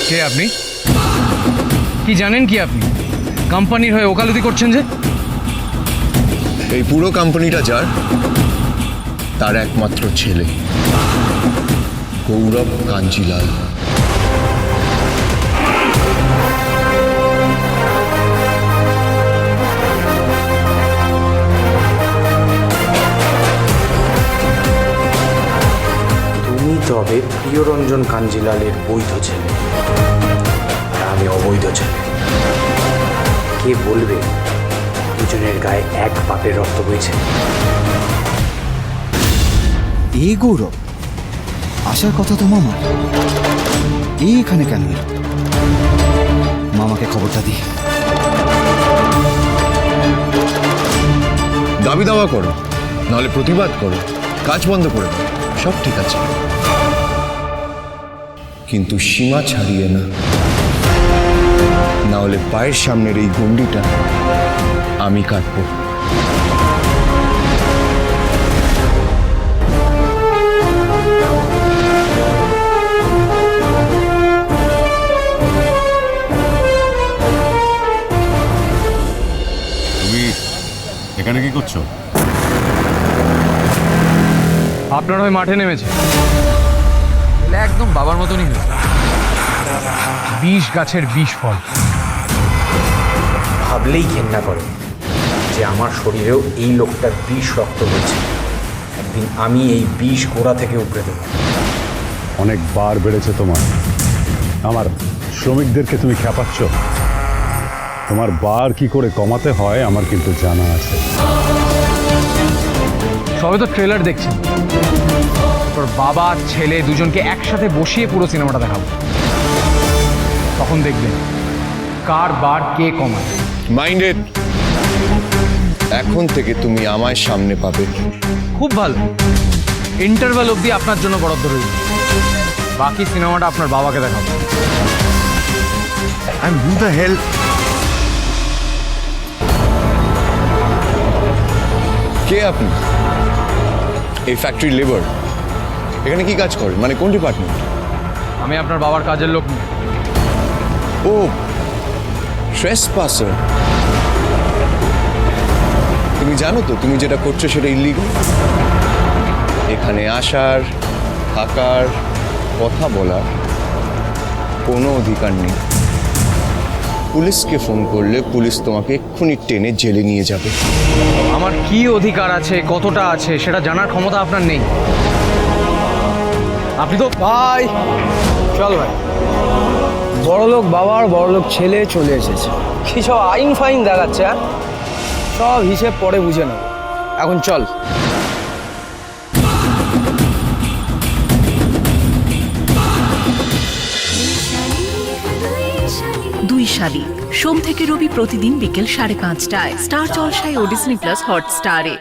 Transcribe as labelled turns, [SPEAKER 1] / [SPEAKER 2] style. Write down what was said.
[SPEAKER 1] কে আপনি? কি জানেন কি আপনি? কোম্পানির হয়ে ওকালতি করছেন যে?
[SPEAKER 2] এই পুরো কোম্পানিটা যার, তার একমাত্র ছেলে গৌরব কাঞ্জিলাল।
[SPEAKER 3] তুমি তবে প্রিয়রঞ্জন কাঞ্জিলালের বৈধ ছেলে, আর আমি অবৈধ ছেলে। কে বলবে দুজনের গায়ে এক বাপের রক্ত বইছে?
[SPEAKER 4] এই গৌরব আসার কথা তো মামা, এই এখানে কেন এলো? মামাকে খবরটা দি।
[SPEAKER 2] দাবি দাওয়া করো, নাহলে প্রতিবাদ করো, কাজ বন্ধ করে দাও, সব ঠিক আছে, কিন্তু সীমা ছাড়িয়ে না, না হলে পায়ের সামনের এই গন্ডিটা আমি কাটবো।
[SPEAKER 5] তুমি এখানে কি করছো?
[SPEAKER 1] আপনার হয়ে মাঠে নেমেছে। একদম বাবার মতনই হয়েছে। ২০ গাছের ২০ ফল।
[SPEAKER 3] ভাবলেই ঘেন্না করে যে আমার শরীরেও এই লোকটার বিষ রক্ত বইছে। একদিন আমি এই বিষ গোড়া থেকে উপড়ে দেবো।
[SPEAKER 5] অনেক বার বেড়েছে তোমার। আমার শ্রমিকদেরকে তুমি খেপাচ্ছ। তোমার বার কি করে কমাতে হয় আমার কিন্তু জানা আছে।
[SPEAKER 1] সবে তো ট্রেলার দেখছেন। তোর বাবা ছেলে দুজনকে একসাথে বসিয়ে পুরো সিনেমাটা দেখাবো, তখন দেখবেন কার বার কে কমায়।
[SPEAKER 2] মাইন্ডেড, এখন থেকে তুমি আমায় সামনে পাবে।
[SPEAKER 1] খুব ভালো। ইন্টারভ্যাল অবধি আপনার জন্য বরাদ্দ রইল। বাকি সিনেমাটা আপনার বাবাকে দেখাবো।
[SPEAKER 2] And who the hell? কে আপনি? এই ফ্যাক্টরি লেবার। এখানে কি কাজ করেন? মানে কোন ডিপার্টমেন্ট?
[SPEAKER 1] আমি আপনার বাবার কাজের লোক নই।
[SPEAKER 2] ও, ট্রেসপাসার। তুমি জানো তো তুমি যেটা করছো সেটা ইলিগাল। এখানে আসার, থাকার, কথা বলার কোনো অধিকার নেই। পুলিশকে ফোন করলে পুলিশ তোমাকে এক্ষুনি টেনে জেলে নিয়ে যাবে।
[SPEAKER 1] আমার কি অধিকার আছে, কতটা আছে সেটা জানার ক্ষমতা আপনার নেই। আপনি তো
[SPEAKER 6] ভাই চল ভাই, বড়লোক বাবার বড়লোক ছেলে চলে এসেছে। কি সব আইন ফাইন দেখাচ্ছে, হ্যাঁ? সব হিসেব পরে বুঝে নেব, এখন চল।
[SPEAKER 7] দুই শালি সোম থেকে রবি প্রতিদিন বিকেল 5:30টায় স্টার জলসায় ও ডিজনি প্লাস হটস্টারে।